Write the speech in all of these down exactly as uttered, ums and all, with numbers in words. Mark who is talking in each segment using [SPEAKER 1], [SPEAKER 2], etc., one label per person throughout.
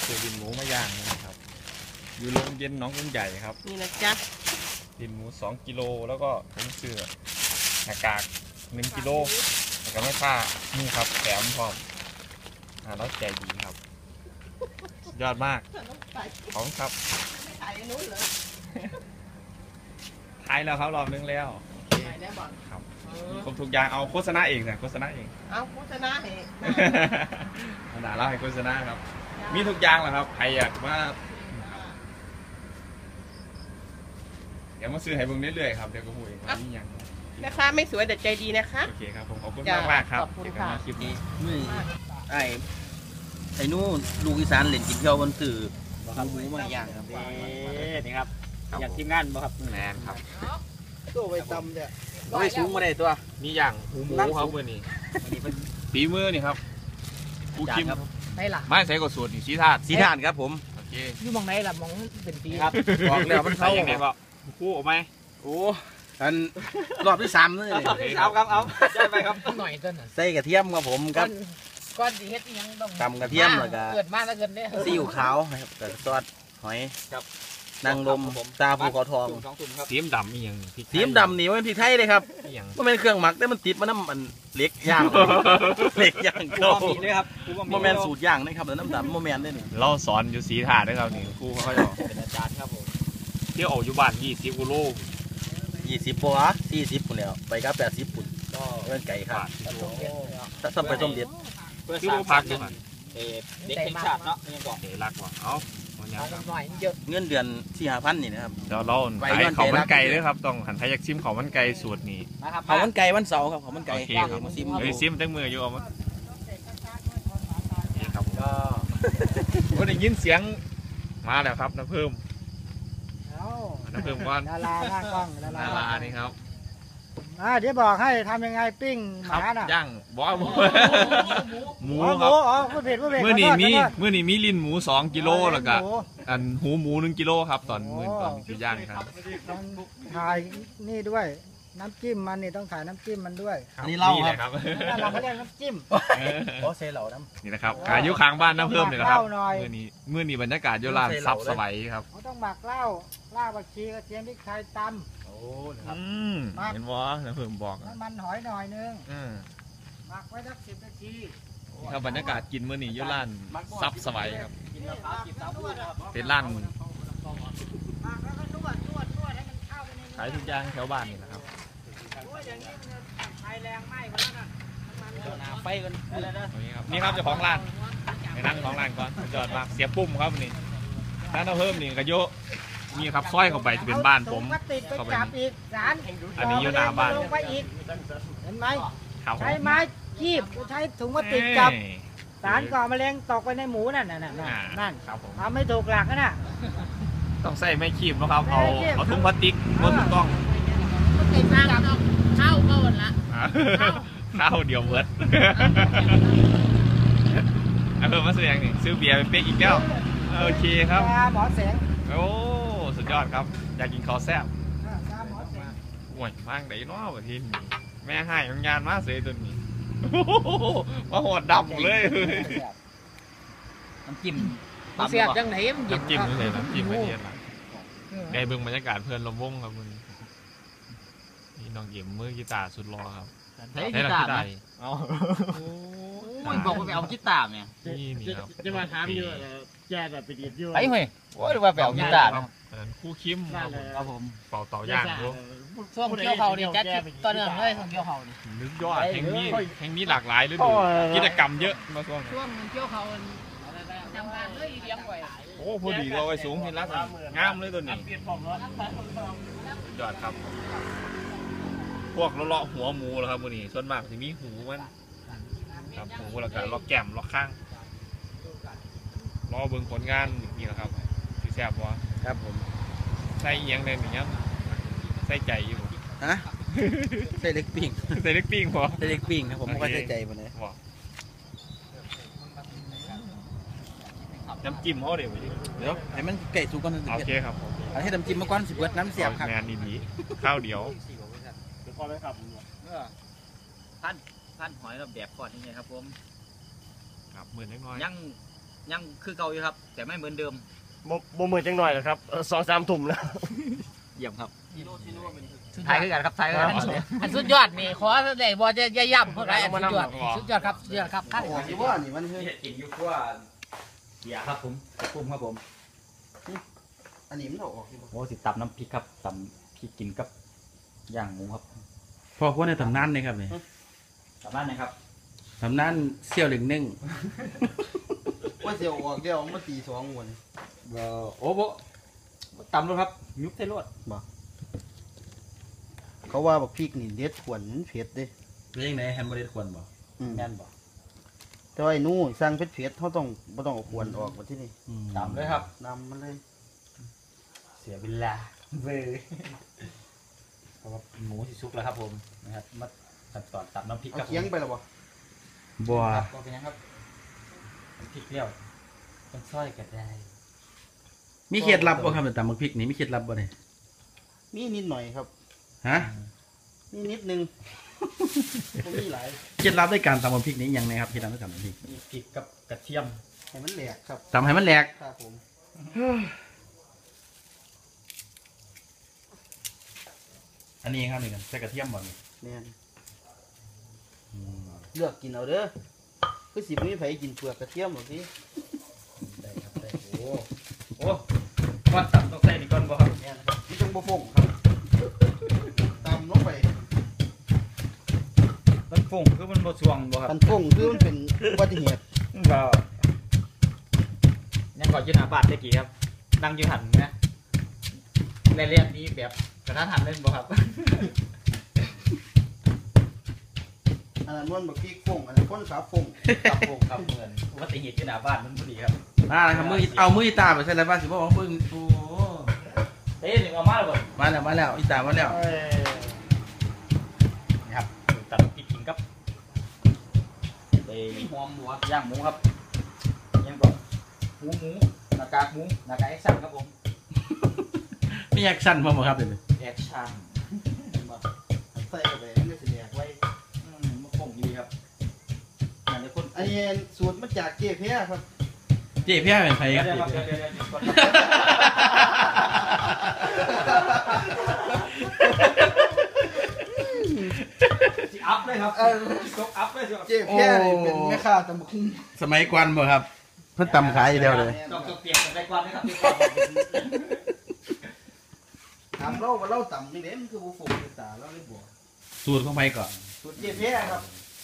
[SPEAKER 1] ซื้อดินหมูมาย่างนะครับอยู่โรงเย็นน้องกุ้งใหญ่ครับ
[SPEAKER 2] นี่นะจ๊ะ
[SPEAKER 1] ดินหมูสองกิโลแล้วก็ผมซื้อหน้ากากหนึ่งกิโลแล้วก็ไม่ผ้านี่ครับแถมพร้อมอ่าแล้วใจดีครับยอดมากของครับ
[SPEAKER 2] ถ่ายนู้นเลย
[SPEAKER 1] ถ่ายแล้วครับรอบนึงแล้ว
[SPEAKER 2] ถ่ายแล้วบอล
[SPEAKER 1] ครับครบทุกอย่างเอาโฆษณาเองนะโฆษณาเอง
[SPEAKER 2] เอาโฆษณาเหตุ
[SPEAKER 1] ขนาดเราให้โฆษณาครับมีทุกอย่างแหละครับใครอยากว่าเดี๋ยวมาซื้อให้เบิ่งเรื่อยๆครับเดี๋ยวก็พูดเองว่านี่ยัง
[SPEAKER 2] นะคะไม่สวยแต่ใจดีนะคะ
[SPEAKER 1] โอเคครับผมขอบคุณมากมากครับ
[SPEAKER 2] ขอบคุณค่ะ
[SPEAKER 1] คลิปนี้
[SPEAKER 3] มือไอ้ไอ้นู่นลูกอีสานเล่นกินเที่ยวบนสื่อหมูมาอย่างครับ
[SPEAKER 4] นี่ครับอยากทีมงานบ่ครับ
[SPEAKER 1] แมนครับ
[SPEAKER 3] ตัวไปตำเนี่ยไม่สูงมาได้ตัว
[SPEAKER 1] นี่อย่างหูหมูครับเมื่อนี้ปีมือนี่ครับผู้คิม
[SPEAKER 2] ได้หรอ
[SPEAKER 1] ไม่ใส่กดสูตรนี่สีธาตุ
[SPEAKER 3] สีธาตุครับผม
[SPEAKER 1] โอเค
[SPEAKER 2] อยู่มองไหนล่ะมองเป็นปี
[SPEAKER 1] ครับบอกแล้วมันเข้าอย่างไรก็คู่ออกไหม
[SPEAKER 3] โอ้อันรอบที่สามเลย
[SPEAKER 4] เอาครับเอาใช่ไหมครับ
[SPEAKER 2] หน่อยต้น
[SPEAKER 3] ใส่กระเทียมครับผมครับ
[SPEAKER 2] ก้อนสีเฮ็ดยังต้อง
[SPEAKER 3] ตำกระเทียมแล้วก็
[SPEAKER 2] เกิดมาแล้วเกินเนี่ย
[SPEAKER 3] ซีอิ๊วขาวครับแต่ซอสหอยครับนางลมตาภูเขาทอง
[SPEAKER 1] สีดำนี่ยัง
[SPEAKER 3] สีดำนี่มันพริกไทยเลยครับมันเป็นเครื่องหมักแต่มันติดมันน้ำมันเล็กย่างเล็กย่างเก่า
[SPEAKER 4] เลยครับ
[SPEAKER 3] โมเมนต์สูตรย่างนะครับแล้วน้ำดำโมเมนต์ได้หนึ่ง
[SPEAKER 1] เราสอนอยู่สีถาดด้วยครับนี่ครูเขาจะ
[SPEAKER 4] เป็นอาจารย์ครับผม
[SPEAKER 1] เที่ยวออกอยู่บ้านยี่สิบกิโล
[SPEAKER 3] ยี่สิบปัวสี่สิบปุ่นแล้วไปก็แปดสิบปุ่นก็เงินไก่ครับถ้าส้มไปส้มเด็ด
[SPEAKER 4] เพื่อสร้างพักหนึ่งเด็กแห่งชาติเนาะยังบอก
[SPEAKER 1] เด็กรักว่ะเอา
[SPEAKER 3] เงินเดือนสี่ห้าพันนี่นะครับ
[SPEAKER 1] เดี๋ยวเราขายเขามันไก่ด้วยครับต้องหันไทยอยากซิมเขามันไก่สูตรนี้
[SPEAKER 3] เขามันไก่วันเสาร์ครับเขามันไก่
[SPEAKER 1] มาซิมเฮ้ยซิมตั้งมืออยู่เอามาครับก็ก็ได้ยินเสียงมาแล้วครับน้ำเพิ่มน้ำเพิ่มก้อน
[SPEAKER 5] ดาราหน้ากล้อง
[SPEAKER 1] ดารานี่ครับ
[SPEAKER 5] อ่าเดี๋ยวบอกให้ทำยังไงปิ้งหมาน่ะ
[SPEAKER 1] ย่างบอกหมูหมู
[SPEAKER 5] ครับอ๋อพูดผิดพูดผิด
[SPEAKER 1] เมื่อนี้มีเมื่อนี้มีลิ้นหมูสองกิโลแล้วก็อันหูหมูหนึ่งกิโลครับตอนมื่อตอนที่ย่างครับ
[SPEAKER 5] ถ่ายนี่ด้วยน้ำจิ้มมันนี่ต้องถ่ายน้ำจิ้มมันด้วย
[SPEAKER 3] อันนี้เล่า
[SPEAKER 1] ครับ
[SPEAKER 5] เราเขาเรียกน้ำจิ้ม
[SPEAKER 3] โอ้เซลล์น้
[SPEAKER 1] ำนี่นะครับขายยุค้างบ้านน้ำเพิ่มเลยนะครับเมื่อนี้เมื่อนี้บรรยากาศโยลานซับสบายครับ
[SPEAKER 5] เขาต้องหมักเหล้าลาบบักชีกระเทียมพริกไทยตำ
[SPEAKER 1] โอ้ครับเห็นว่าน้ำเพิ่มบอก
[SPEAKER 5] น้ำมันหอยหน่อยนึงหมักไว้สักสิบนาที
[SPEAKER 1] ครับบรรยากาศกินเมื่อนี้โยลานซับสบายครับเป็นร้านขายทุกอย่างแถวบ้านนี่นะครับ
[SPEAKER 4] ไฟกัน
[SPEAKER 1] นี่ครับเจ้าของร้านไปนั่งของร้านก่อนจอดมาเสียปุ่มครับนี่ร้านเราเพิ่มนี่กระโยนี่ครับซอยเข้าไปจะเป็นบ้านผม
[SPEAKER 5] เข้าไปอีกร้าน
[SPEAKER 1] อันนี้อยู่หน้าบ้าน
[SPEAKER 5] เห็นไหมใช้ไม้คีบใช้ถุงพลาสติกจับสารก่อมะเร็งตกไปในหมูนั่นน่ะนั่นนั่นทำไม่ถูกหลักนะ
[SPEAKER 1] ต้องใส่ไม้คีบนะครับเอาเอาถุงพลาสติกบนถูกต้อง
[SPEAKER 2] ติดมากเข้าก็หมดละ
[SPEAKER 1] ข้าวเดียวเวิร์ดเอาเพิ่มมาซื้ออย่างนี้ซื้อเบียร์ไปเป๊กอีกแล้วโอเคครับ
[SPEAKER 5] หมอแสง
[SPEAKER 1] โอ้สุดยอดครับอยากกินข้าวแซ่บห่วยมากไหนน้อประเทศนี้แม่ให้งานมาเสียตัวนี้มาหดดำเลย
[SPEAKER 4] น้ำจิ้ม
[SPEAKER 2] เสียบจังไหนมัน
[SPEAKER 1] น้ำจิ้มเลยน้ำจิ้มไม่เย็นละได้เบิ่งบรรยากาศเพื่อนลมวงครับมึงนี่น้องเยี่ยมมือกีตาร์สุดรอครับ
[SPEAKER 4] ใช้กีตาร์ไหมอ๋อบอกว่าไปเอากีตาร์เนี่ย
[SPEAKER 5] จะมาถามอยู่แย่แบบไปดีดอยู่
[SPEAKER 4] ไปเฮ้ยว่าไปเอากีตาร์
[SPEAKER 1] คู่คิม
[SPEAKER 4] ครับผม
[SPEAKER 1] เป่าเต่าย่างดู
[SPEAKER 2] ช่วงเกี่ยวเขาเนี่ยแจ๊ดตอนเนื่องเลยช่วงเกี่ยวเขาเนี่ย
[SPEAKER 1] นึกยอดแห่งนี้แห่งนี้หลากหลายเลยดูกิจกรรมเยอะมาช่วง
[SPEAKER 2] ช่วงเกี่ยวเขาทำงานเลยเลี้ยงไว้
[SPEAKER 1] โอ้พอดีเราไอ้สูงเห็นแล้วงามเลยตัวนี้ยอดครับพวกเลาะหัวหมูแล้วครับมือนี้ส่วนมากจะมีหูมันครับหูแล้วก็เลาะแก้มเลาะข้างรอเบิ่งผลงานนี่แหละครับที่แซ่บวะ
[SPEAKER 3] ครับผม
[SPEAKER 1] ใส่เอียงเลยอย่างเงี้ยใส่ใจอยู่
[SPEAKER 3] ฮะใส่เล็กปิ้ง
[SPEAKER 1] ใส่เล็กปิ้งพอ
[SPEAKER 3] ใส่เล็กปิ้งครับผมไม่ค่อยใส่ใจมันเลย
[SPEAKER 1] น้ำจิ้มเขาเดี๋ยว
[SPEAKER 3] เดี๋ยวให้มันไก่สุกก่อน
[SPEAKER 1] โอเคครับ
[SPEAKER 3] ให้น้ำจิ้มมาก่อนสิบเบิร์ดน้ำเสียบครับ
[SPEAKER 1] งานดีๆข้าวเดียว
[SPEAKER 4] พอไหมครับพันพันหอยกับแดกก่อนยังไงครับผม
[SPEAKER 1] ครับหมื่นเล็กน้อย
[SPEAKER 4] ยังยังคือเก่าอยู่ครับ แต่ไม่เหมือนเดิม
[SPEAKER 6] บ่บ่มือจังหน่อยหรอกครับสองสามทุ่มแล้ว
[SPEAKER 4] เยี่ยมครับถ่ายคือกันครับถ่ายคือกัน
[SPEAKER 2] อันสุดยอดนี่ขอได้บ่จะอย่าย่ำพวกไรอันสุดยอดสุดยอดครับสุดยอดครับข้าว
[SPEAKER 3] ที่ว่านี่มันคือ
[SPEAKER 4] เห็ดกินอยู่ว่าเบียร์ครับผมกุ้มครับผม
[SPEAKER 3] อันนี้มันออก
[SPEAKER 4] โอ้สิตำน้ำพริกครับตำพริกกินกับย่างหมูครับ
[SPEAKER 7] พอควรในตำนานเลยครับเนี่ย
[SPEAKER 4] ตำนั่นนะครับ
[SPEAKER 7] ตำนานเสี่ยวเหลึงหนึ่ง
[SPEAKER 3] ว่าเสียวออกเดียวมาตีสองวัน
[SPEAKER 4] โอ้โหตำรถครับยุบเส้นรถ
[SPEAKER 3] เขาว่าบอกพริกนี่เด็ดขวนเผ็ดเด้
[SPEAKER 7] เรื่องไหนแฮมเบอร์เกอร์ควรบ่
[SPEAKER 4] แม่นบอก
[SPEAKER 3] แต่ว่าไอ้นู้สั่งเผ็ดเผ็ดเขาต้องไม่ต้องเอาขวนออกมาที่นี่
[SPEAKER 4] ตำเลยครับ
[SPEAKER 3] นำมันเลย
[SPEAKER 4] เสียเวลาเว้ยเพราะว่าหมูสิสุกแล้วครับผมนะครับมาตัดตอนตัดน้ำพริก
[SPEAKER 3] เอา
[SPEAKER 4] ครับ
[SPEAKER 3] เคียงไปหรอบ่
[SPEAKER 7] บัว
[SPEAKER 4] ครับก็เป็นยังครับพริกเปรี้ยวเป็นซอยก็ได้
[SPEAKER 7] มีเคล็ดลับบ่ครับในตำบักพริกนี่มีเคล็ดลับบ่เนี่ย
[SPEAKER 3] มีนิดหน่อยครับ
[SPEAKER 7] ฮะ
[SPEAKER 3] มีนิดนึงบ่มีหลาย
[SPEAKER 7] เคล็ดลับในการตำบักพริกนี้ยังไงครับเคล็ดลับในการตำบักพริก
[SPEAKER 4] มีพริกกับกระเทียม
[SPEAKER 3] ให้มันแหลกครับ
[SPEAKER 7] ตำให้มันแหลก
[SPEAKER 3] ครับผม
[SPEAKER 7] อันนี้ครับนี่กันใส่กระเทียมบ่นี่
[SPEAKER 3] แม่นเลือกกินเอาเด้อคือสิบ่มีไผกินเปลือกกระเทียมหรอกพี่
[SPEAKER 4] ได้ครับได้โอ้โอ้ก้อนตับต้องใส่นี่ก้อนบ่ครับ
[SPEAKER 3] แม่นครับที่ต้องบ่ฟงครับตำลงไป
[SPEAKER 4] มันฝุ่งคือมันบ่สวงบ่ครับ
[SPEAKER 3] กันฟงคือมันเป็นอุบัติเหตุ
[SPEAKER 4] บ่ยังก่อนยืนหน้าบ้านได้กี่ครับนั่งอยู่หันนะในเรียนนี้แบบกระทันหันเล่นบ่ครับ
[SPEAKER 3] อันนั้นมันบักพริกฟงอันนั้นคนขาฟง
[SPEAKER 4] ครับผมครับเหมือนอุบัติเหตุอยู่หน้าบ้านมันพอดีครับ
[SPEAKER 7] มาแล้วครับมือเอามืออีตาไปใส่อะไรบ้างสิบ่ว่าเพิ่งโอ้
[SPEAKER 4] เฮ้ยนี่เอามาแล้วบ่
[SPEAKER 7] มาแล้วมาแล้วอีตามาแล้ว
[SPEAKER 4] นี่ครับตัดพริกกินกับไปหอมหมูย่างหมูครับยังก่อนหมูหมูหน้ากากหมูหน้ากากแอคชั่นครับผม
[SPEAKER 7] มีแอคชั่นบ่บ่ครับเดี๋ยวนี้
[SPEAKER 4] แอคชั่น
[SPEAKER 3] ใส่เข้าไปมันก็สิแหลกไว้
[SPEAKER 4] อืมมันคงดีครับอย่างนี้คน
[SPEAKER 3] อันนี้สูตรมาจากเจ๊เพียครับ
[SPEAKER 7] เจ๊เพี้ยเป็นไผค
[SPEAKER 4] เดี๋
[SPEAKER 7] รั
[SPEAKER 4] ยว
[SPEAKER 7] บ
[SPEAKER 4] เดี๋ยว
[SPEAKER 7] เจ๊
[SPEAKER 4] เดี๋
[SPEAKER 7] เพี้
[SPEAKER 4] ย
[SPEAKER 7] ยว
[SPEAKER 4] เดี๋ยวเดี๋ยวสิอัพเลยครับตกอัพเลยสิ
[SPEAKER 3] เจ๊เพียนี่เป็นแม่ค้าตำบักหุ่ง
[SPEAKER 7] สมัยก่อนบ่ครับเพิ่นตำขายอยู่แล้วเลย
[SPEAKER 4] ต้องต้องเปลี่ยนกันไปก่อนนะครับพี่ก่อน
[SPEAKER 3] ถามเราว่าเราตำนี่เด้มันคือบ่ฟงคือตาเราเลยบ่
[SPEAKER 7] สูตรของไผก่อน
[SPEAKER 3] สูตรเจ๊เพียครับ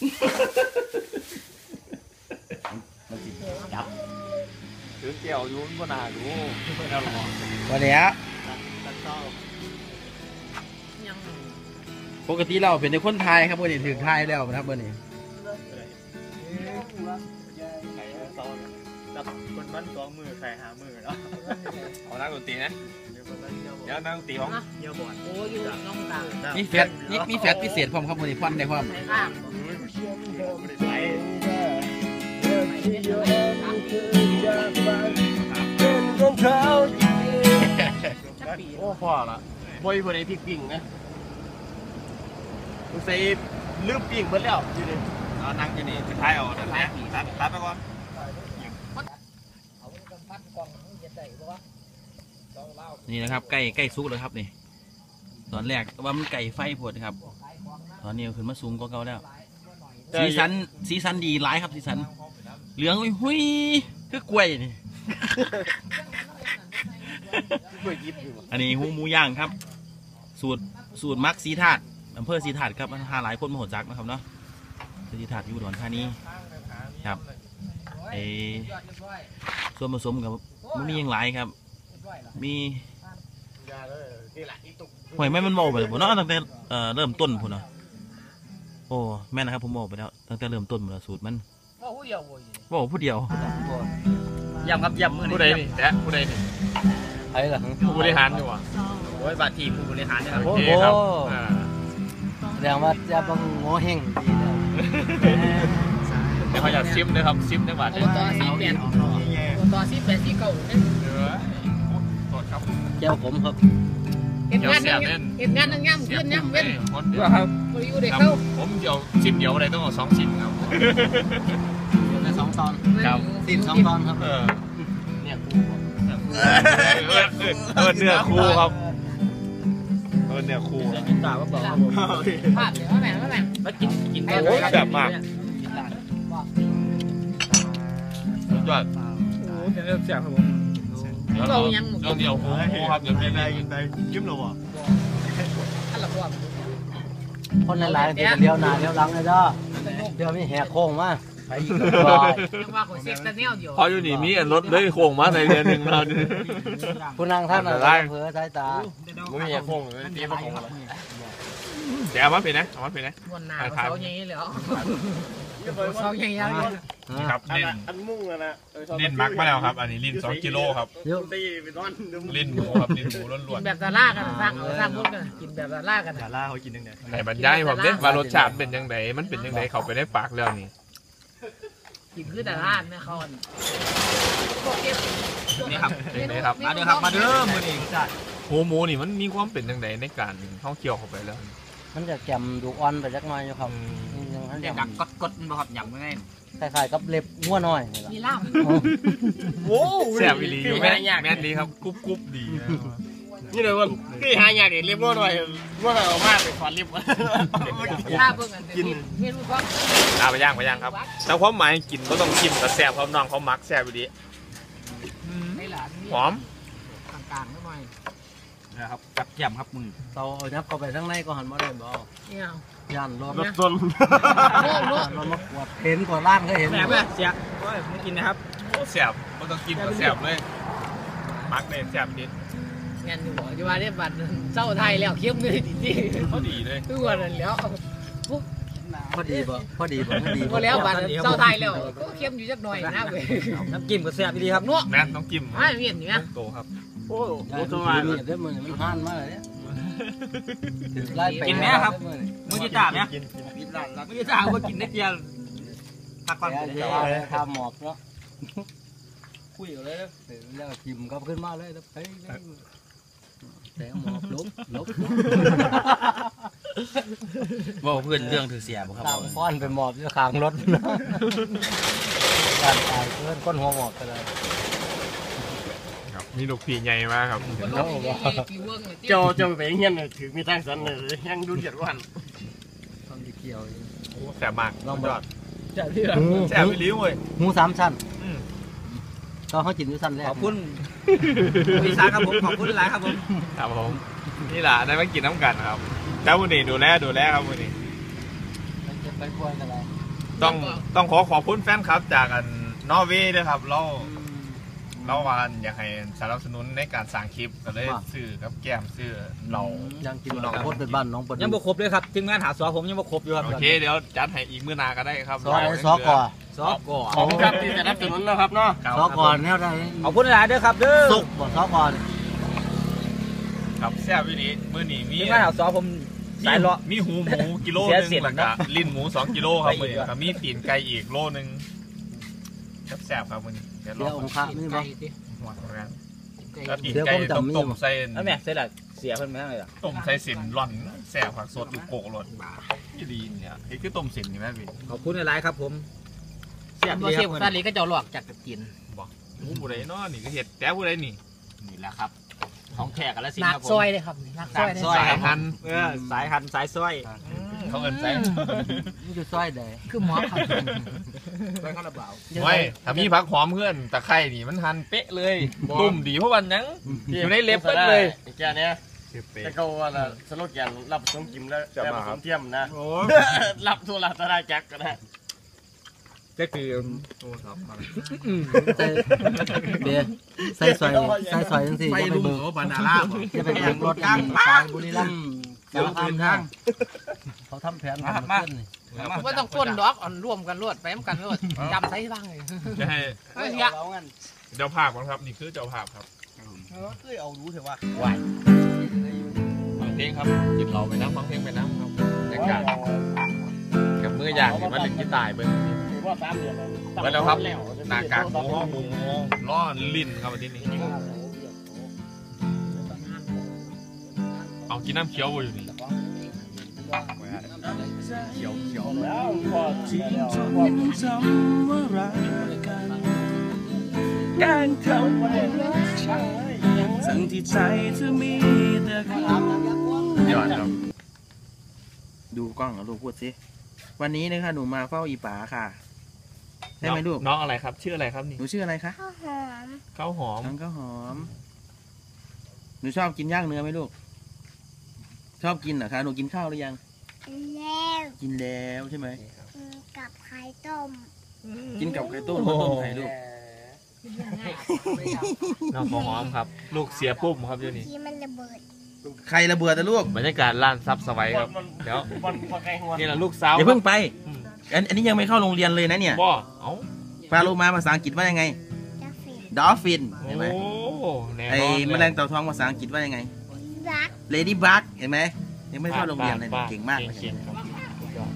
[SPEAKER 4] จับ
[SPEAKER 1] ถือแก้วอยู่มันบ่น่าดูบ่น่าหรอก
[SPEAKER 7] วันนี้ปกติเราเป็นในคนไทยครับวันนี้ถึงไทยแล้วนะครับวันนี้
[SPEAKER 1] คนบ้านสองมือใครหามือเนาะเอานั่งดนตรีนะเดี๋ยวนั่งดนตรีของเยี่ยมบ่อน
[SPEAKER 2] โอ้ยอยู่น้องต่าง
[SPEAKER 7] มีแฟตมีมีแฟตพิเศษพร้อมครับวันนี้ฟันได้พร้อม
[SPEAKER 2] ข้าง
[SPEAKER 6] โอ้พ่อละบ่อยบ่ได้พริกปิ้งนะใส่ลืมปิ้งเบิดแล้วอยู่นี่
[SPEAKER 1] เอานั่งอยู่นี่จะท้ายเอาเดี๋ยวท้ายตัดตัดไปก่อน
[SPEAKER 7] นี่นะครับใกล้ใกล้สุกแล้วครับนี่ตอนแรกว่ามันไก่ไฟผดครับ ตอนนี้ขึ้นมาสูงกว่าเก่าแล้วสีสันสีสันดีหลายครับสีสันเหลืองอุ้ยหุยคือกล้วยนี่ อันนี้หูหมูย่างครับ สูตรสูตรมักสีถาดอำเภอสีถาดครับหาหลายคนมาหดจักนะครับเนาะสีถาดอยู่อุดรธานีครับไอส่วนผสมกับมันมีอย่างไรครับ มีหอยแม่มันโมไปเลยผมเนาะตั้งแต่เอ่อเริ่มต้นผมเนาะโอ้แม่นะครับผมโมไปแล้วตั้งแต่เริ่มต้นหมดแล้วสูตรมัน
[SPEAKER 2] ว่าผู้เดียวโว้ย
[SPEAKER 7] บอกผู้เดียว
[SPEAKER 4] ย่ำครับย่ำมือ
[SPEAKER 6] ผู้ใดนี่แตะผู้ใดนี่
[SPEAKER 4] ไอ้ล่ะ
[SPEAKER 6] ผู้บริหารอยู่อ่ะ
[SPEAKER 4] โอ้ยบาทีผู้บริหารนะครับ
[SPEAKER 6] โอเคครับอ่า
[SPEAKER 3] แสดงว่าจะบังโง่แห้งดีแล้ว
[SPEAKER 6] เดี๋ยวเขาอยากซิมเลยครับซิมจังหวัด
[SPEAKER 2] โอ้
[SPEAKER 6] เนี่ย
[SPEAKER 2] ต่อสี่แปดโอ้ต่อสี่แปดสี่เก้าเนี่ย
[SPEAKER 6] เออโทษครับ
[SPEAKER 3] เจ้าผมครับ
[SPEAKER 2] เห็นงานนั่งเห็นงานนั่งย่ำขึ้นย่ำเว้น
[SPEAKER 6] คนเดียว
[SPEAKER 2] บริยูเด็กเข้า
[SPEAKER 6] ผมเดียวซิมเดียวอะไรต้องเอาสองซิมครับ
[SPEAKER 2] สอง
[SPEAKER 3] ตอน
[SPEAKER 1] ครับ
[SPEAKER 3] สินสองตอนครับ
[SPEAKER 1] เออ
[SPEAKER 3] เนี่ยกู
[SPEAKER 1] เออเออเนื้อคู่ครับเออเนื้อคู่
[SPEAKER 2] กินตาก็บอกภาพเดี๋ยวแม่แม่มากินกิน
[SPEAKER 1] โอ้ยแซ่บมากสุดยอด
[SPEAKER 2] แซ่บครับผมเรายัง
[SPEAKER 1] เราเดี๋ยวหูหูครับเดี๋ยวพี่ได้ยินได้ยิ้มเราอ่ะ
[SPEAKER 2] อันละพวก
[SPEAKER 3] คนหลายๆเดี๋ยวเลี้ยวหน้าเลี้ยวหลังเลยเด้อเดี๋ยวมีแหกโค้งมาไปอีกก็
[SPEAKER 2] ยังว่าคนเซ็กซ์แนวอยู่
[SPEAKER 1] พออยู่นี่มีอันรถเลยโค้งมาในเดือนหนึ่งเรา
[SPEAKER 3] ผู้นั่งท่านอะไรเผลอสายตา
[SPEAKER 6] มึงมีโค้งเลยตีมาโค้ง
[SPEAKER 1] เดี๋ยวเอามาเป็นนะเอามาเป็นนะ
[SPEAKER 2] วันหนาเขาอย่างนี้เลยเหรอเขาอย่างนี้
[SPEAKER 1] นี่ครับเน้น
[SPEAKER 6] อันมุ่งอะนะ
[SPEAKER 1] เน้นมักมาแล้วครับ อันนี้ลิ้นสองกิโลครับ
[SPEAKER 3] เดี๋ยว
[SPEAKER 6] ตีไปนอน
[SPEAKER 1] ลิ้นหมูครับลิ้นหมูล้
[SPEAKER 2] กิ
[SPEAKER 1] วน
[SPEAKER 2] นแบบดารากันสร้างเอาสร้างมุกกันกินแบบดารากัน
[SPEAKER 6] ดาราเขากินยังไง
[SPEAKER 1] ๆในบรรยายผมเด้ว่ารสชาติเป็นยังไงมันเป็นยังไงเขาไปได้ปากแล้วนี่
[SPEAKER 2] กินคือดาราแม่เขา
[SPEAKER 1] นี่ครับเป็นไงครับ
[SPEAKER 4] มาเด้อครับมาเด้อมื้อนี้จ้ะ
[SPEAKER 1] หูหมูนี่มันมีความเป็นยังไงในการท่องเที่ยวเข้าไปแล้ว
[SPEAKER 3] มันจะแกมดูอ่อนไปจักหน่อยอยู่ครับยังมัน
[SPEAKER 4] เด็
[SPEAKER 3] ยั
[SPEAKER 4] ก
[SPEAKER 3] ง
[SPEAKER 4] ดักกดกดบ่ครับหยังไง
[SPEAKER 3] คล้ายๆกับเล็บงัวน้อยนี่ล่ะ
[SPEAKER 2] มีล่าม
[SPEAKER 1] โอ้แซ่บอีหลีอยู่แม่แม่นดีครับกรุบกรุบดีนะ
[SPEAKER 6] นี่เลยว่าคือหายากเรียบร้อยหน่อยว่าเราเอามากไปขอรีบ
[SPEAKER 2] ล่าเบิ่งกันกินไม่รู้ว่า
[SPEAKER 1] เอาไปย่างไปย่างครับแต่ความหมายกินก็ต้องชิมกับแซ่บเพราะน้องเขามักแซ่บอีหลี
[SPEAKER 2] ไม่หลาน
[SPEAKER 1] หอม
[SPEAKER 2] กลางๆหน่อย
[SPEAKER 4] นะครับกับแก้มครับมึง
[SPEAKER 3] เราเอายับเข้าไปข้างในก็หันมาได้บ่
[SPEAKER 2] เนี่ย
[SPEAKER 3] ย่านรถ
[SPEAKER 6] รถ
[SPEAKER 3] ร
[SPEAKER 6] จน
[SPEAKER 3] ถมากวดเห็นกว่าล่างก็เห็น
[SPEAKER 2] แม่แม่เสียโอ้ยมึงกินนะครับ
[SPEAKER 1] โอ้แซ่บก็ต้องกินกับแซ่บเลยมักเลยแซ่บนิด
[SPEAKER 2] งานอยู่หัวจะมาได้บัตรเจ้าไทยแล้วเข้มเลยจริง
[SPEAKER 1] เขาดีเลย
[SPEAKER 2] ๆทุกวันแล้ว
[SPEAKER 3] พอดีบ่พอดีบ่พอดี
[SPEAKER 2] ก็แล้วบัตรเจ้าไทยแล้วก็เข้มอยู่จักหน่อยนะเว้ย
[SPEAKER 4] น้ำจิ้มก็แซ่บดีครับ
[SPEAKER 2] นัว
[SPEAKER 1] แม่ต้องจิ้ม
[SPEAKER 2] ไม่เวียนเนี่ย
[SPEAKER 1] โตครับ
[SPEAKER 6] โอ้
[SPEAKER 3] โอ้ตัวนี้เด้อมื้อนี้มันห่านมากเลยเนี่ยถือไล่ไป
[SPEAKER 4] กินแม่ครับมึงจะจ่าไหม
[SPEAKER 6] กินกินร้าน
[SPEAKER 4] มึงจะจ่าว่ากินได้เดียวพักก่อน
[SPEAKER 3] เดี๋ยวทำหมอกเนาะคุยอยู่เลยแล้วทิมก็ขึ้นมาเลยแล้วไปแต่หมอกลบลบ
[SPEAKER 7] ว่าเพื่อนเรื่องถือเสียบ่ครับ
[SPEAKER 3] ตามป้อนไปหมอบอยู่ข้างรถการตายเพื่อนก้นหัวหมอบไปเลย
[SPEAKER 1] ครับมีลูกพี่ใหญ่มากครับ
[SPEAKER 6] เจ้าเจ้าไปเงี้ยถือมีทางสันเลยยังดูเดือดร้อน
[SPEAKER 3] ต้องเกี่ยว
[SPEAKER 1] โอ้แซ่บมากลองยอด
[SPEAKER 2] จะที่
[SPEAKER 1] แซ่บอีหลีเว้ย
[SPEAKER 3] หมูสามชั้น
[SPEAKER 1] อืม
[SPEAKER 3] ก็เขาจินอยู่ชั้นแรก
[SPEAKER 4] ขอบคุณพี่สาครับผมขอบคุณหลายครับผม
[SPEAKER 1] ครับผมนี่แหละได้มากินน้ำกันครับเจ้าวันนี้ดูแลดูแลครับวันนี้
[SPEAKER 3] มันจะไปควยกันอะไร
[SPEAKER 1] ต้องต้องขอขอบคุณแฟนครับจากอันนอร์เวย์ด้วยครับเราเราวานอยากให้สนับสนุนในการสร้างคลิปก็เลยซื้อกับแก้มซื้อเรา
[SPEAKER 3] ยังกินน้องพดเป็นบ้านน้องปน
[SPEAKER 4] ยังบ่ครบเลยครับทีมงานหาสอผมยังบ่ครบอยู่ครับ
[SPEAKER 1] โอเคเดี๋ยวจัดให้อีกมื้อหนาก็ได้ครับ
[SPEAKER 3] ซอไอ้ซอก่อ
[SPEAKER 4] สอก่อ
[SPEAKER 6] ขอบคุณครับที่จะรับสนุนนะครับเนาะ
[SPEAKER 1] ครับ
[SPEAKER 3] ซอก่อนแนวใด
[SPEAKER 4] ขอบคุณหลายเด้อครับเด้อ
[SPEAKER 3] สุกบ่ซอก่อน
[SPEAKER 1] ครับแซ่บวินี้มื้อนี้มี
[SPEAKER 4] ทีมงานหาสอผมสายเลาะ
[SPEAKER 1] มีหูหมูกิโล
[SPEAKER 4] เสีย
[SPEAKER 1] นึง
[SPEAKER 4] เสีย
[SPEAKER 1] แล้ว
[SPEAKER 4] นะ
[SPEAKER 1] ก็ลิ้นหมูสองกิโลครับ
[SPEAKER 4] ไป
[SPEAKER 1] มื้อ
[SPEAKER 4] อีก
[SPEAKER 1] นี้
[SPEAKER 4] อะ
[SPEAKER 1] ครับมีตีนไก่อีกโลนึงแซ่บๆครับมื้อนี้เดี๋ยวล
[SPEAKER 3] เดี๋
[SPEAKER 1] อ
[SPEAKER 3] ยว
[SPEAKER 1] ง
[SPEAKER 3] องค์พระนี่บ่
[SPEAKER 1] หัวกันแล้วตีน
[SPEAKER 3] เดี๋ยว
[SPEAKER 1] ไก่
[SPEAKER 3] ผมจำ
[SPEAKER 1] ต้ม
[SPEAKER 3] มี
[SPEAKER 1] ต้ม
[SPEAKER 3] บ่
[SPEAKER 1] ใส่
[SPEAKER 4] แล้วแม่เสร็จแล้วเสียเพิ่นไม่ได้เลยล่ะ
[SPEAKER 1] ต้มใส่สินร่อนแซ่บผักสดอยู่โกกรสที่ดีเนี่ยไอ้คือต้มสินนี่แม่พี่
[SPEAKER 4] ขอบคุณหลายครับผม
[SPEAKER 2] เสียบเสียบซาลีก็จะหลอกจากตะกิน
[SPEAKER 1] หมูผู้ใดเนาะนี่ก็เห็ดแต่ผู้ใดนี่
[SPEAKER 4] นี่แหละครับของแขกกันแล้วสิ
[SPEAKER 2] นัก
[SPEAKER 4] ครับผม
[SPEAKER 2] ซอยเลยครับนักซอย
[SPEAKER 4] ซอย
[SPEAKER 1] สายพันธุ์
[SPEAKER 4] เออสายหันสายซอย
[SPEAKER 1] เขาเอินใจ
[SPEAKER 3] นี่คือซอยใด
[SPEAKER 2] คือหมอครับ
[SPEAKER 4] ซอยข้าวระเบา
[SPEAKER 1] ไว้ถ้ามีผักหอมเพื่อนตะไคร่นี่มันหันเป๊ะเลยตุ่มดีเพราะวันยังอยู่ในเล็บเป๊ะเลย
[SPEAKER 6] แกเนี้ยแต่เขาว่าสโลแกนรับสมกิมแล้วแต่ผสมเทียมนะรับโทรศัพท์จักก็ได้
[SPEAKER 4] ก็คือ
[SPEAKER 3] ใส่เบียร์ใส่ซอยใส่ซอยจังซี่จะไปเบิก
[SPEAKER 7] บานาล่า
[SPEAKER 3] จะไปเบิกรถทางสายบุรีรัมย์สารคามทางเขาทำแผนทำมาขึ้นนี่
[SPEAKER 2] ว่าต้องก้นดอกอ่อนร่วมกันรวดไปมกันรวดจำใส่บ้างเลย
[SPEAKER 1] จะให้
[SPEAKER 2] เฮ้ยเนี่ย
[SPEAKER 1] เจ้าภาพครับนี่คือเจ้าภาพครับ
[SPEAKER 6] เคยเอารู้เถอะว่า
[SPEAKER 1] ฟังเพลงครับหยิบเราไปน้ำฟังเพลงไปน้ำครับบรรยากาศกับมืออย่างนี่มันเล่นกีตาร์เบิ้ง
[SPEAKER 6] ถือว่าสามเดือน
[SPEAKER 1] ไปแล้วครับหน้ากากหมูห้อหมูล้อลิ้นครับวันที่นี้เอากินน้ำเขียวอยู่นี่
[SPEAKER 6] เขียวเขียวแล้วพอ
[SPEAKER 7] ที่จนยังจำว่ารักกันแกล้งทำให้รักชายทั้งที่ใจเธอมีแต่เขา
[SPEAKER 1] ยอดครับ
[SPEAKER 7] ดูกล้องลูกพูดสิวันนี้นะคะหนูมาเฝ้าอีป๋าค่ะใช่ไหมลูก
[SPEAKER 1] น้องอะไรครับชื่ออะไรครับนี่
[SPEAKER 7] หนูชื่ออะไรคะ
[SPEAKER 8] ข้าวหอม
[SPEAKER 1] ข้าวหอม
[SPEAKER 7] น้องข้าวหอมหนูชอบกินย่างเนื้อไหมลูกชอบกินเหรอคะหนูกินข้าวหรือยัง
[SPEAKER 8] แล้ว
[SPEAKER 7] กินแล้วใช่ไหม
[SPEAKER 8] กินกับไข่ต้ม
[SPEAKER 7] กินกับไข่ต้มข้าวต้มไข่ลูก
[SPEAKER 1] น้องข้าวหอมครับ ลูกเสียปุ้มครับเดี๋ยวนี้
[SPEAKER 8] ที่มันระเบิด
[SPEAKER 7] ใครระเบิดแต่ลูก
[SPEAKER 1] บรรยากาศร้านซับสไวครับเดี๋ยว
[SPEAKER 6] บอลบอลไกลหัว
[SPEAKER 1] นี่แหละลูกสาว
[SPEAKER 7] อย่าเพิ่งไป
[SPEAKER 1] อืม
[SPEAKER 7] อันอันนี้ยังไม่เข้าโรงเรียนเลยนะเนี่ย
[SPEAKER 1] บ่เอ้า
[SPEAKER 7] ปลาโลมาภาษาอังกฤษว่ายังไง
[SPEAKER 8] จะฟิน
[SPEAKER 7] ดอฟฟิน
[SPEAKER 1] โอ้
[SPEAKER 7] เห็นไหม
[SPEAKER 1] แน่น
[SPEAKER 7] ไอ้
[SPEAKER 1] อน
[SPEAKER 7] แมลงเต่าทองภาษาอังกฤษว่ายังไง
[SPEAKER 8] รัก
[SPEAKER 7] เลดี้บักเห็นไหมยังไม่เข้าโรงเรียนเลย
[SPEAKER 1] บ้
[SPEAKER 7] เก่งมากเลย
[SPEAKER 1] เก่งๆครับสุดยอด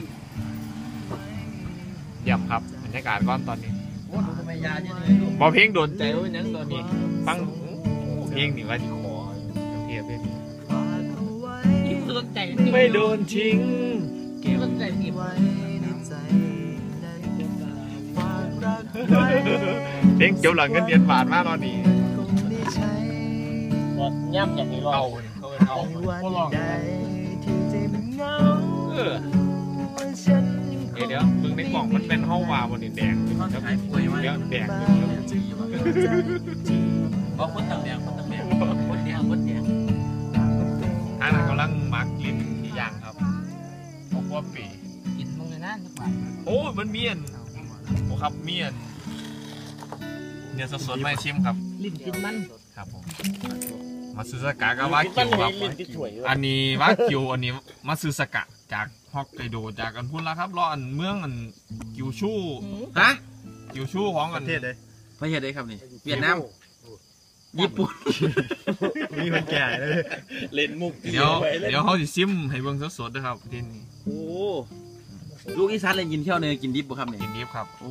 [SPEAKER 1] เยี่ยมครับบรรยากาศก้อนตอนนี้
[SPEAKER 7] โอ้ทำไมยาเยอะเลยลูก
[SPEAKER 1] บอเพลงโดนใจว่าเป็นยังตอนนี้ฟังเพลงนี่ว่าที่คอเทียบเลย
[SPEAKER 2] ยิ่งสนใจ
[SPEAKER 1] ไม่โดนทิ้ง
[SPEAKER 2] สนใจผิด
[SPEAKER 1] เพลงเกี่ยวหลังเงินเดือนบาทมากตอนนี้
[SPEAKER 6] ย่ำอย่างนี้รอ
[SPEAKER 1] เอา
[SPEAKER 6] บ
[SPEAKER 1] เขาเป็นเอา
[SPEAKER 6] ก็ลอง
[SPEAKER 1] เออเดี๋ยวเดี๋ยวมึงในกล่องมันเป็นห้องวาวบนนี่แดงแล้วเดี๋ยวแดง
[SPEAKER 7] บอกคนต่างแดงคนต่างแดงคนแดงคนแดง
[SPEAKER 1] ทางนั้นกำลังมักลิ้นที่ย่างครับเพราะว่าปี
[SPEAKER 2] กินมึงเลยนะทุกวัน
[SPEAKER 1] โอ้มันเมียนโอ้ครับเมียนเนี่ยสดๆไม่ชิมครับ
[SPEAKER 2] ลิ้นกินมัน
[SPEAKER 1] ครับผมมาซื้อสกากะวากิวครับ
[SPEAKER 6] ลิ้นที่ถวย
[SPEAKER 1] อันนี้วากิวอันนี้มาซื้อสกะจากฮอกไกโดจากอันพุ่นละครับรออันเมืองอันกิวชู่
[SPEAKER 7] ฮะ
[SPEAKER 1] กิวชู่ของอัน
[SPEAKER 7] ประเทศใดครับนี่เวียดนามญี่ปุ่น
[SPEAKER 6] มีคนแก่เลยเล่นมุก
[SPEAKER 1] เดี๋ยวเดี๋ยวเขาจะซิมให้เบิ่งสดๆนะครับทีนี้
[SPEAKER 7] โอ้ลูกอีสานเลยกินเที่ยวเนยกินดิบบ่ครับเนี่ย
[SPEAKER 1] กินดิบครับ
[SPEAKER 7] โอ้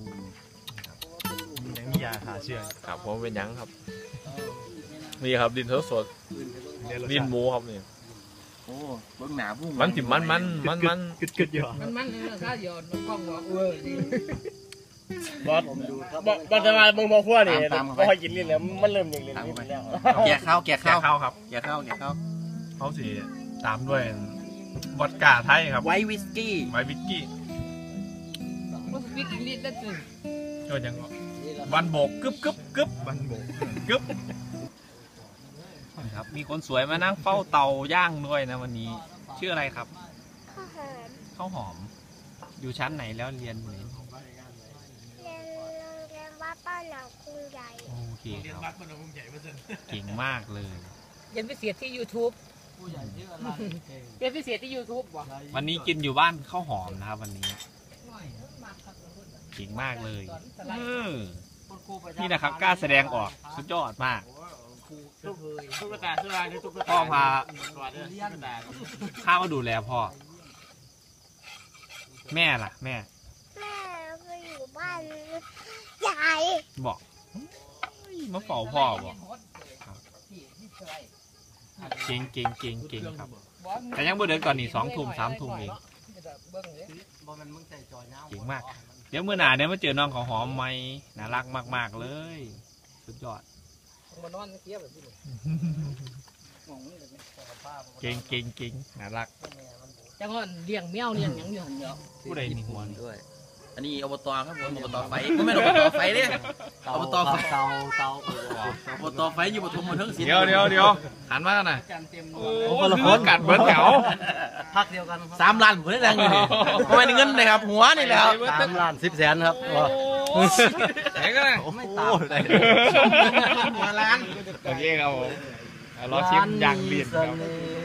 [SPEAKER 6] ยังมียาหาเชื่อ
[SPEAKER 1] ครับผมเป็นหยังครับนี่ครับดินสดๆดินหมูครับนี่
[SPEAKER 7] โอ้เบิ่งหนาพุ่ง
[SPEAKER 1] มันสิมันมันมันมัน
[SPEAKER 6] กึดกึดอยู่
[SPEAKER 2] มันมันเลยถ้าหยอดกล้องบอกเออดี
[SPEAKER 6] บอสบอสบอสจะมาเบิ่งพอขั้วนี่พอกินลิ้นแล้วมันเริ่มอย่างลิ้นลิ้นแล้ว
[SPEAKER 7] แกะข้าวแกะ
[SPEAKER 1] แกะ
[SPEAKER 7] ข้าว
[SPEAKER 1] ข้าวครับ
[SPEAKER 7] แกะข้าวแกะข้าว
[SPEAKER 1] เขาสิตามด้วยวอดก้าไทยครับ
[SPEAKER 7] ไวท์วิสกี้
[SPEAKER 1] ไวน์วิสกี้
[SPEAKER 2] มันวิกิลิ้นแล้วจึง
[SPEAKER 1] ก็ยังวันโบกกึบกึบกึบวันโบกกึบครับมีคนสวยมานั่งเฝ้าเตาย่างด้วยนะวันนี้ชื่ออะไรครับ
[SPEAKER 8] ข้าวหอม
[SPEAKER 1] ข้าวหอมอยู่ชั้นไหนแล้วเรียนไหน
[SPEAKER 8] เรียนโรงเรียนวัดป้าหนองกรุงใหญ่
[SPEAKER 1] โอเคครับเก่งมากเลย
[SPEAKER 2] เรียนพิเศษที่ YouTube เรียนพิเศษที่ YouTube วะ
[SPEAKER 1] วันนี้กินอยู่บ้านข้าวหอมนะครับวันนี้เก่งมากเลยเออนี่นะครับกล้าแสดงออกสุดยอดมาก
[SPEAKER 6] ตุ๊กตาตุ๊กตาตุ๊กตา
[SPEAKER 1] พ่อพาข้ามาดูแลพ่อแม่ล่ะแม่
[SPEAKER 8] แม่ไปอยู่บ้านใหญ่
[SPEAKER 1] บอกมาเฝ้าพ่อบอกเก่งเก่งเก่งเก่งครับแต่ยังบ่เดินก่อนนี่สองทุ่มสามทุ่มเองเก่งมากเดี๋ยวเมื่อหนาเดี๋ยวมาเจอน้องของหอมไหมน่ารักมากๆเลยสุดยอดเก่งเก่งเก่งน่ารัก
[SPEAKER 2] จังหวะเลี้ยงแมวเลี้ยงหยังอยู่หันเดียว
[SPEAKER 1] ผู้ใดมีหัวนี่
[SPEAKER 7] ด้วยอันนี้อบตครับผมอบตไฟไม่ใช่อบตไฟเนี่ยอบตไฟ
[SPEAKER 3] เตาเตา
[SPEAKER 7] อบตไฟอยู่ปฐมมาทั้งศิลป์
[SPEAKER 1] เดี๋ยวเดี๋ยวเดี๋ยวหันมากันนะ
[SPEAKER 7] โอ้
[SPEAKER 1] โอ้คนกัดเบิร์ดแถว
[SPEAKER 3] พักเดียวกัน
[SPEAKER 7] สามล้านผมได้แรงอยู่นี่ทำไมเงินเลยครับหัวนี่แหละครับ
[SPEAKER 3] สามล้านสิบแสนครับ
[SPEAKER 1] ไหนกันนะ
[SPEAKER 3] ไม่ตาม
[SPEAKER 7] หัวล้าน
[SPEAKER 1] โอเคครับผมรอชิมย่างเลียนครับ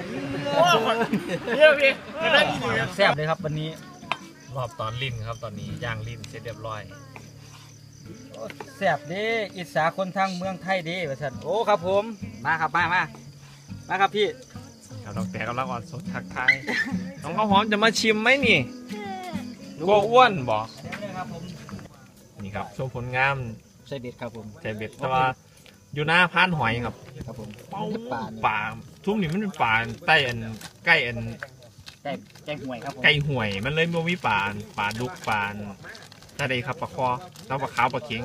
[SPEAKER 6] เดี๋ยวพี่
[SPEAKER 3] แซ่บเลยครับวันนี้
[SPEAKER 1] รอบตอนลิ้นครับตอนนี้ย่างลิ้นเสร็จเรียบร้อย
[SPEAKER 3] แซ่บเด้อิสาคนทางเมืองไทยเด้ว่าซั่นโอ้ครับผมมาครับมามามาครับพี่
[SPEAKER 1] ครับดอกแต่กำลังอ่อนสดทักทายน้องข้าวหอมจะมาชิมไหมนี่กลัวอ้วนบอกนี่ครับโชว์ผลงาม
[SPEAKER 3] ใส่เบ็ดครับผม
[SPEAKER 1] ใจเบ็ดแต่ว่าอยู่หน้าพานหอยครับ
[SPEAKER 3] ครับผม
[SPEAKER 1] ป่าทุ่มนี่มันเป็นป่าใต้อันใกล้อัน
[SPEAKER 4] ก่ไก่ห่วยครับผม
[SPEAKER 1] ไก่ห่วยมันเลยบ่มีปลาปลาดุกปลาถ้าได้ครับปลาคอแล้วปลาขาวปลาเข็ง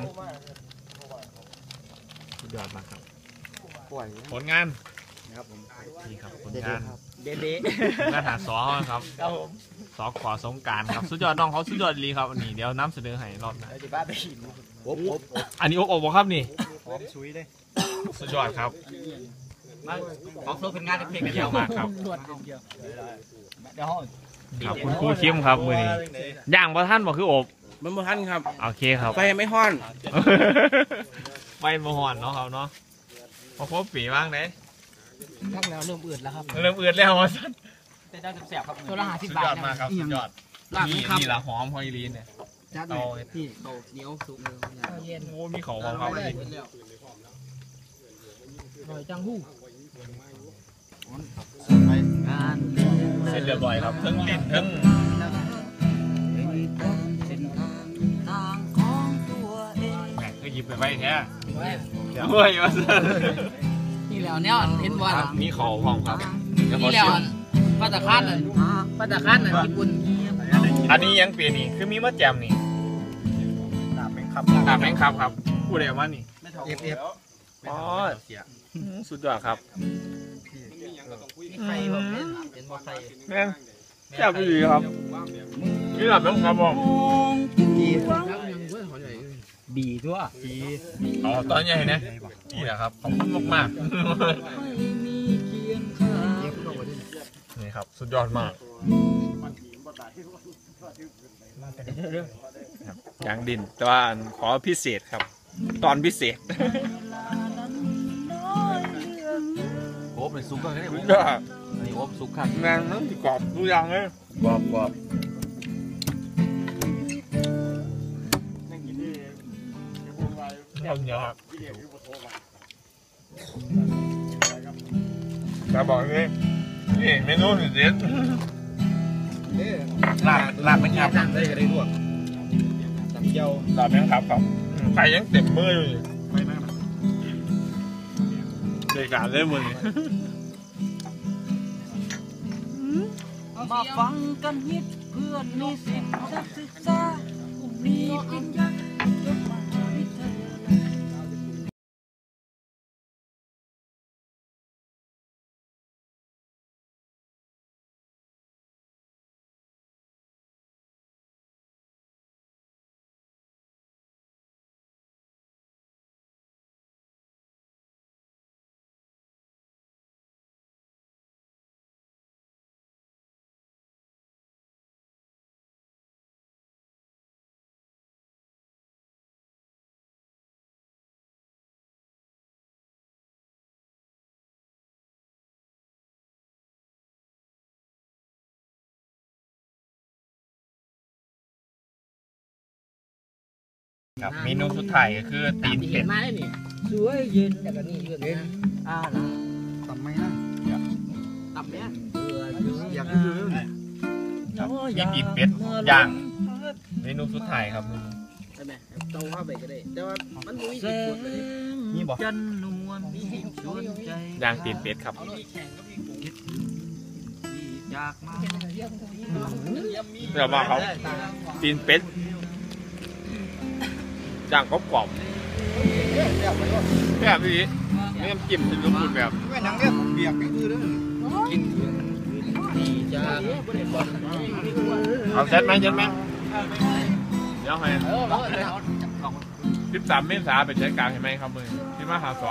[SPEAKER 1] สุดยอดมากครับผลงานนะครับผมนี่ครับผลงาน
[SPEAKER 4] เด็ด
[SPEAKER 1] งานหาสอครับ
[SPEAKER 4] ๆครับผม
[SPEAKER 1] สอขอสงการครับสุดยอดน้องเขาสุดยอดดีครับอันนี้เดี๋ยวน้ำเสนอให้รอบหน้า
[SPEAKER 4] ที่บ้านไปหิน
[SPEAKER 1] อันนี้อบอบครับนี่
[SPEAKER 6] หอมชุยเลย
[SPEAKER 1] สุดยอดครับ
[SPEAKER 4] มาออกโซ่เป็นงานเพลง
[SPEAKER 1] เยี่ยมมากครับ
[SPEAKER 4] เดี๋ยวห้อง
[SPEAKER 1] ครับคุณครูเข้มครับมือนี้ย่างบ่ท่านบ่คืออบ
[SPEAKER 7] มันบ่ทันครับ
[SPEAKER 1] โอเคครับ
[SPEAKER 7] ไฟไม่ฮ้อน
[SPEAKER 1] ไฟมาหอนเนาะครับเนาะพอครบปีบ้างเด้
[SPEAKER 2] ทั้งแล้วเริ่มอืดแล้วครับ
[SPEAKER 1] เริ่มเอือดแล้วว่าสั้น
[SPEAKER 4] เป็นด้านแสบครับ
[SPEAKER 2] ตัวละห้าสิบ
[SPEAKER 1] สุด
[SPEAKER 2] บาท
[SPEAKER 1] ยอดมากครับสุดยอด
[SPEAKER 2] ลาบ
[SPEAKER 1] นี่
[SPEAKER 2] ครับ
[SPEAKER 1] นี่ละหอมหอยลีนเนี่ย
[SPEAKER 2] จัด
[SPEAKER 1] เอา
[SPEAKER 2] พี่เขาเหนียวสุกเย็น
[SPEAKER 1] โอ้มีของของเขาเลย
[SPEAKER 2] อร่อยจังหู้
[SPEAKER 1] เสร็จเรียบร้อยครับทั้งลิ้นทั้งแหมก็หยิบไปไว้แท้เดี๋ยวเฮ้ยมาสั้น
[SPEAKER 2] นี่แล้วเนี่ยเห็นบ่
[SPEAKER 1] ครับมีของพร้อมครับเดี๋ยวขอ
[SPEAKER 2] นี่แล้ว
[SPEAKER 1] ชิม
[SPEAKER 2] ปัตตาคานน่ะปัตตาคานน่ะญี่ปุ่น
[SPEAKER 1] อันนี้ยังเปลี่ยนนี่คือมีมะแจมนี่
[SPEAKER 6] ดาบเป็นครับ
[SPEAKER 1] ตามแมงครับครับพูดอะไรมานี่
[SPEAKER 6] เอฟเอฟ
[SPEAKER 1] อ๋อสุดยอดครับ
[SPEAKER 2] มีไข่บ่เป็นเป็นบ่ไข่
[SPEAKER 1] แม่งแซ่บดีครับนี่หลับแล้วครับผม
[SPEAKER 2] แล้วยังเว้ยหอยใหญ่
[SPEAKER 4] บีทั่ว
[SPEAKER 1] อ๋อตอนใหญ่นะนี่แหละครับขอบคุณมากๆนี่ครับสุดยอดมากอย่างดินแต่ว่าขอพิเศษครับ ตอนพิเศษ
[SPEAKER 7] โอบเป็นซุกก็ได้
[SPEAKER 1] สุดยอด
[SPEAKER 7] อันนี้โอบซุกครับ
[SPEAKER 1] แมงนั่นกรอบทุกอย่างเลย
[SPEAKER 7] กรอบกรอบ
[SPEAKER 1] เอาเยอะครับแต่บอกนี่นี่เมนูสุดเด็ด
[SPEAKER 7] ลาบลาบเป็นครับ
[SPEAKER 6] ได้ก็ได้ด้วยน้ำเจียว
[SPEAKER 1] หลับยังครับครับไข่ยังเต็มมืออยู่เด็กการเล่นมือนี่
[SPEAKER 2] มาฟังกันฮิตเพื่อนนิสิตนักศึกษาผู้มีปริญญาจบมหาวิทยาลัย
[SPEAKER 1] ครับเมนูสุดท้ายก็คือตีนเป็ด
[SPEAKER 2] มาได้นี่สวยเย็นแต่ก็นี่เย็นนะอ้าวนะ
[SPEAKER 6] ทำไมนะ
[SPEAKER 2] ตับเนี้ย
[SPEAKER 6] อยากซื้อ
[SPEAKER 1] ครับมีตีนเป็ดย่างเมนูสุดท้ายครับ
[SPEAKER 2] ใช่ไหมเจ้าว่าไปก็ได้แต่ว่ามันมีสิบคนเลย
[SPEAKER 1] นี่บอก
[SPEAKER 2] จันนวลมีชวนใจ
[SPEAKER 1] ย่างตีนเป็ดครับ
[SPEAKER 2] จากมา
[SPEAKER 1] เดี๋ยวมาเขาตีนเป็ดย่างกรอบๆแบบนี้ไม่ต้องจิ้มเป็นรูปแบบ
[SPEAKER 6] ไม่นังเนี่ยเบียกก็คือเด้อกิน
[SPEAKER 2] จาก
[SPEAKER 1] เอาเซตไหมเซตไหมเดี๋ยวให้สิบสามเมษาเป็นใช้การเห็นไหมครับมือที่มาหาสอง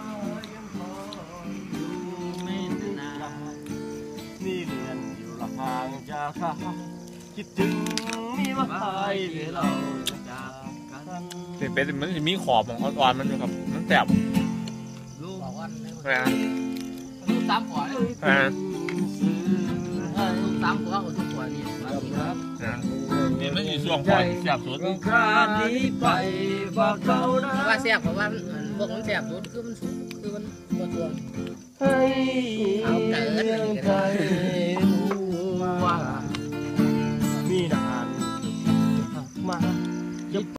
[SPEAKER 6] นี่เรียนอยู่ละห่างจากข้าคิดถึงมีมาหายเราจากกัน
[SPEAKER 1] ตีนเป็ดมันจะมีขอบของอ่อนๆมันอยู่ครับมันแสบ
[SPEAKER 2] ลูกบอกว่า
[SPEAKER 1] นะ
[SPEAKER 2] ลูกสามขวด
[SPEAKER 1] นะ
[SPEAKER 2] ลูกสามขวดทุกขวดนี่ครับ
[SPEAKER 1] นะนี่มันอยู่ช่วงก่อนแสบสุด
[SPEAKER 6] ครานี้ไปบอกเขานะ
[SPEAKER 2] เพราะว่าแซ่บเพราะว่าพวกมันแซ่บสุดคือมันสูงคือมันตัวตัว
[SPEAKER 6] ให้เพียงใครรู้